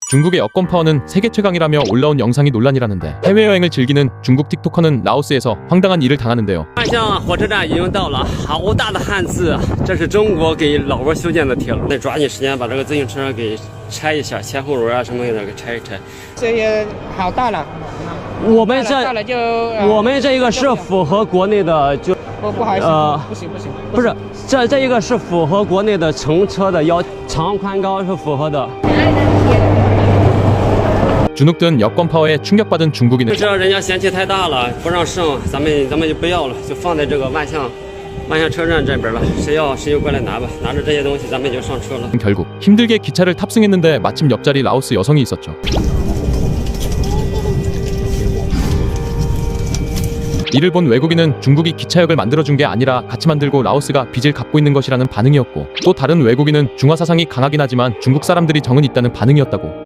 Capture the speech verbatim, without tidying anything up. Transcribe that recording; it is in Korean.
중국의 여권 파워는 세계 최강이라며 올라온 영상이 논란이라는데 해외여행을 즐기는 중국 틱토커는 라오스에서 황당한 일을 당하는데요. 万象火车站已经到了，好大的汉字，这是中国给老挝修建的铁路，得抓紧时间把这个自行车给拆一下，前后轮啊什么的给拆一拆。 这也好大了， 我们大了大了就呃我们这个是符合国内的，就不不好意思， 呃不行不行， 不是这这一个是符合国内的乘车的要长宽高是符合的。 주눅든 여권 파워에 충격받은 중국인은 知道人家嫌弃太大了，不让上，咱们咱们就不要了，就放在这个万象万象车站这边了，谁要谁就过来拿吧，拿着这些东西咱们就上车了。 결국 힘들게 기차를 탑승했는데 마침 옆자리 라오스 여성이 있었죠. 이를 본 외국인은 중국이 기차역을 만들어준 게 아니라 같이 만들고 라오스가 빚을 갚고 있는 것이라는 반응이었고, 또 다른 외국인은 중화 사상이 강하긴 하지만 중국 사람들이 정은 있다는 반응이었다고.